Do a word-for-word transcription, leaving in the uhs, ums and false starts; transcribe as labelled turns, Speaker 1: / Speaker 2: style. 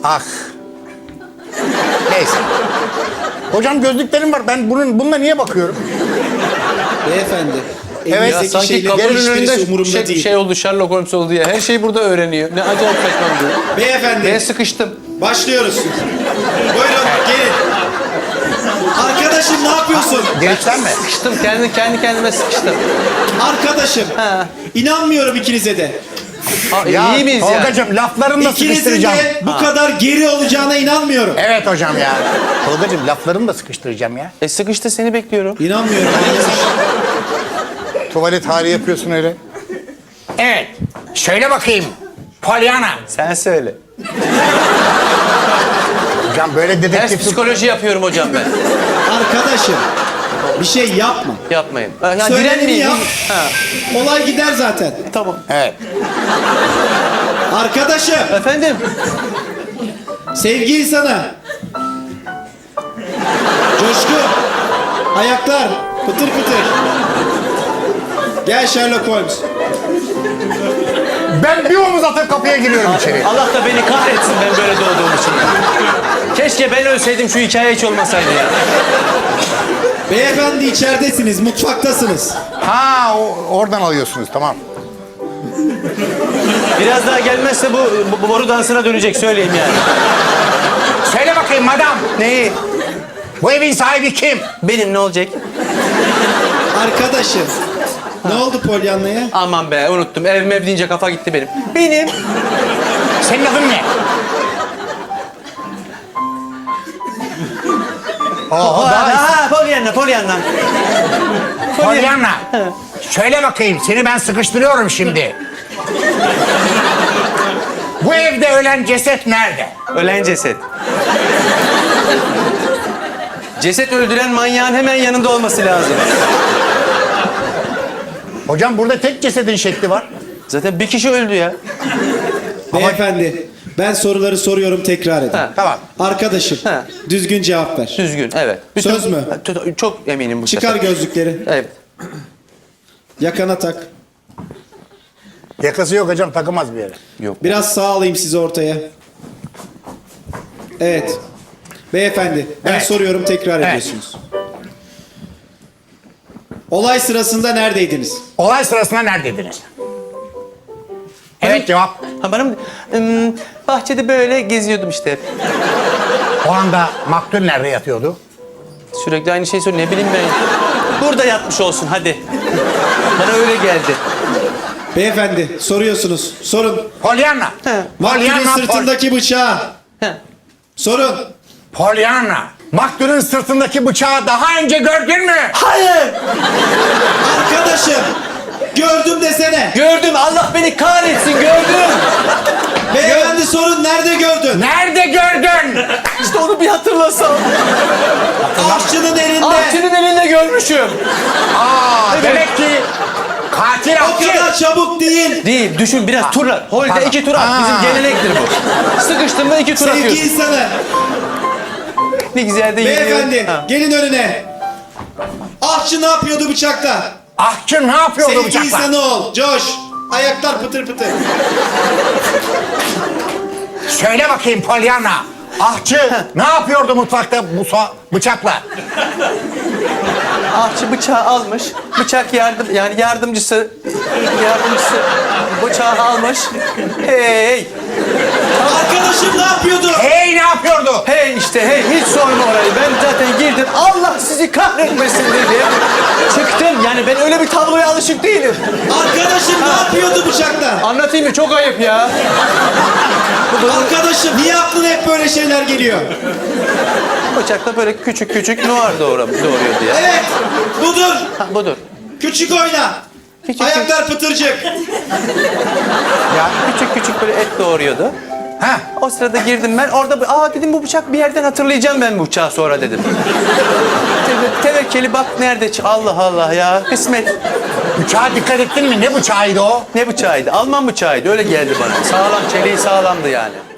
Speaker 1: Ah. Neyse. Hocam gözlüklerim var. Ben bunun bununla niye bakıyorum?
Speaker 2: Beyefendi.
Speaker 1: Evet,
Speaker 2: elinizdeki
Speaker 3: Sanki
Speaker 2: şeylerin
Speaker 3: kapının
Speaker 2: hiçbirisi
Speaker 3: önünde
Speaker 2: umurumda
Speaker 3: şey,
Speaker 2: değil.
Speaker 3: şey oldu, Sherlock Holmes oldu ya. Her şeyi burada öğreniyor. Ne acayip saçma bir durum.
Speaker 2: Beyefendi.
Speaker 3: Ben sıkıştım.
Speaker 2: Başlıyoruz. Buyurun gelin. Arkadaşım ne yapıyorsun?
Speaker 1: Gençten mi?
Speaker 3: Sıkıştım. Kendi, kendi kendime sıkıştım.
Speaker 2: Arkadaşım.
Speaker 3: Ha.
Speaker 2: İnanmıyorum ikinize de.
Speaker 3: Aa,
Speaker 1: Ya
Speaker 3: iyi miyiz ya?
Speaker 1: Tolgacığım laflarını da
Speaker 2: İkinizin
Speaker 1: sıkıştıracağım.
Speaker 2: de bu kadar geri olacağına inanmıyorum.
Speaker 1: Evet hocam ya. Tolgacığım laflarını da sıkıştıracağım ya.
Speaker 3: E sıkıştı, seni bekliyorum.
Speaker 2: İnanmıyorum.
Speaker 1: Tuvalet hali yapıyorsun öyle. Evet. Söyle bakayım. Pollyanna.
Speaker 3: Sen söyle.
Speaker 1: Hocam böyle
Speaker 3: Ters
Speaker 1: dedektif...
Speaker 3: psikoloji yapıyorum hocam ben.
Speaker 2: Arkadaşım bir şey yapma.
Speaker 3: Yapmayın. Ha, Ya
Speaker 2: Söylediğini
Speaker 3: direnmeyin.
Speaker 2: yap.
Speaker 3: Ha,
Speaker 2: Olay gider zaten.
Speaker 3: tamam.
Speaker 1: Evet.
Speaker 2: Arkadaşım
Speaker 3: Efendim?
Speaker 2: sevgi insanı. Coşku. Ayaklar. Pıtır pıtır. Gel Sherlock Holmes.
Speaker 1: Ben bir omuz atıp kapıya giriyorum içeri.
Speaker 3: Allah da beni kahretsin ben böyle doğduğum için. Keşke ben ölseydim, şu hikaye hiç olmasaydı ya.
Speaker 2: Beyefendi içeridesiniz, mutfaktasınız.
Speaker 1: Ha o- oradan alıyorsunuz tamam.
Speaker 3: Biraz daha gelmezse bu, bu boru dansına dönecek, söyleyeyim yani.
Speaker 1: Söyle bakayım madam.
Speaker 3: Neyi?
Speaker 1: Bu evin sahibi kim?
Speaker 3: Benim, ne olacak?
Speaker 2: Arkadaşım. Ne oldu Pollyanna'ya?
Speaker 3: Aman be, unuttum. Ev mev deyince kafa gitti benim. Benim.
Speaker 1: Senin adın ne?
Speaker 3: Oh,
Speaker 1: Oho, daha
Speaker 3: ha, Pollyanna, Pollyanna.
Speaker 1: Pollyanna. Söyle bakayım seni ben sıkıştırıyorum şimdi. Bu evde ölen ceset nerede?
Speaker 3: Ölen ceset. Ceset öldüren manyağın hemen yanında olması lazım.
Speaker 1: Hocam burada tek cesedin şekli var.
Speaker 3: Zaten bir kişi öldü ya.
Speaker 2: Beyefendi, ben soruları soruyorum, tekrar edin.
Speaker 3: Ha.
Speaker 1: Tamam.
Speaker 2: Arkadaşım,
Speaker 3: Ha.
Speaker 2: düzgün cevap ver.
Speaker 3: Düzgün, evet.
Speaker 2: Söz mü?
Speaker 3: Ha, t- Çok eminim bu
Speaker 2: Çıkar
Speaker 3: sefer.
Speaker 2: gözlükleri.
Speaker 3: Evet.
Speaker 2: Yakana tak.
Speaker 1: Yakası yok hocam takılmaz bir yere.
Speaker 3: Yok.
Speaker 2: Biraz sağ alayım sizi ortaya. Evet. Beyefendi, ben
Speaker 1: Evet.
Speaker 2: soruyorum, tekrar
Speaker 1: Evet.
Speaker 2: ediyorsunuz. Olay sırasında neredeydiniz?
Speaker 1: Olay sırasında neredeydiniz? Evet cevap.
Speaker 3: Ha, bana mı? Hmm, bahçede böyle geziyordum işte.
Speaker 1: O anda maktul nerede yatıyordu?
Speaker 3: Sürekli aynı şeyi söylüyor. Ne bileyim ben. Burada yatmış olsun hadi. Bana öyle geldi.
Speaker 2: Beyefendi, soruyorsunuz. Sorun.
Speaker 1: Pollyanna.
Speaker 3: He.
Speaker 2: Maktulün
Speaker 1: Pollyanna. Pol-
Speaker 2: sırtındaki bıçağı.
Speaker 3: Ha.
Speaker 2: Sorun.
Speaker 1: Pollyanna. Maktulün sırtındaki bıçağı daha önce gördün mü?
Speaker 3: Hayır!
Speaker 2: Arkadaşım, gördüm desene.
Speaker 3: Gördüm, Allah beni kahretsin, gördüm.
Speaker 2: Beyefendi sorun, nerede gördün?
Speaker 1: Nerede gördün?
Speaker 3: İşte onu bir hatırlasam.
Speaker 2: Aşçının elinde.
Speaker 3: Ahçının elinde görmüşüm.
Speaker 1: Aa, demek ki katil
Speaker 2: O
Speaker 1: ahçı.
Speaker 2: kadar çabuk değil.
Speaker 3: Değil, düşün biraz turlar. Holde
Speaker 1: pardon.
Speaker 3: iki tur at.
Speaker 1: Aa.
Speaker 3: Bizim gelenektir bu. Sıkıştın mı iki tur
Speaker 2: Sevgi
Speaker 3: atıyorsun.
Speaker 2: insanı.
Speaker 3: Ne güzel de yürüyor.
Speaker 2: Beyefendi,
Speaker 3: Ha.
Speaker 2: gelin önüne. Ahçı ne yapıyordu bıçakla?
Speaker 1: Ahçı ne yapıyordu
Speaker 2: Sevgi
Speaker 1: bıçakla?
Speaker 2: insanı ol. Coş. Ayaklar pıtır pıtır.
Speaker 1: Söyle bakayım Pollyanna. Ahçı ne yapıyordu mutfakta bu so- bıçakla?
Speaker 3: Ahçı bıçağı almış. Bıçak yardım yani yardımcısı yardımcısı bıçağı almış. Hey!
Speaker 2: Arkadaşım ne yapıyordu?
Speaker 1: Hey ne yapıyordu?
Speaker 3: Hey işte hey, hiç sorma orayı. Ben zaten girdim. Allah sizi kahretmesin dedi. Çıktım. Yani ben öyle bir tabloya alışık değilim.
Speaker 2: Arkadaşım ne yapıyordu bıçakla?
Speaker 3: Anlatayım mı? Çok ayıp ya.
Speaker 2: Arkadaşım niye aklına hep böyle şeyler geliyor?
Speaker 3: Bıçakla böyle küçük küçük noir doğru, doğruyordu ya.
Speaker 2: Evet, budur.
Speaker 3: Ha, budur.
Speaker 2: Küçük oyna.
Speaker 3: Küçük
Speaker 2: Ayaklar pıtırcık.
Speaker 3: Ya küçük küçük böyle et doğuruyordu.
Speaker 1: Ha?
Speaker 3: O sırada girdim ben. Orada aa dedim bu bıçak bir yerden hatırlayacağım ben bu bıçağı sonra dedim. Te- Tevekkeli bak nerede? ç- Allah Allah ya. Kısmet.
Speaker 1: Bıçağa dikkat ettin mi? Ne bıçağıydı o?
Speaker 3: Ne bıçağıydı? Alman bıçağıydı. Öyle geldi bana. Sağlam, çeliği sağlamdı yani.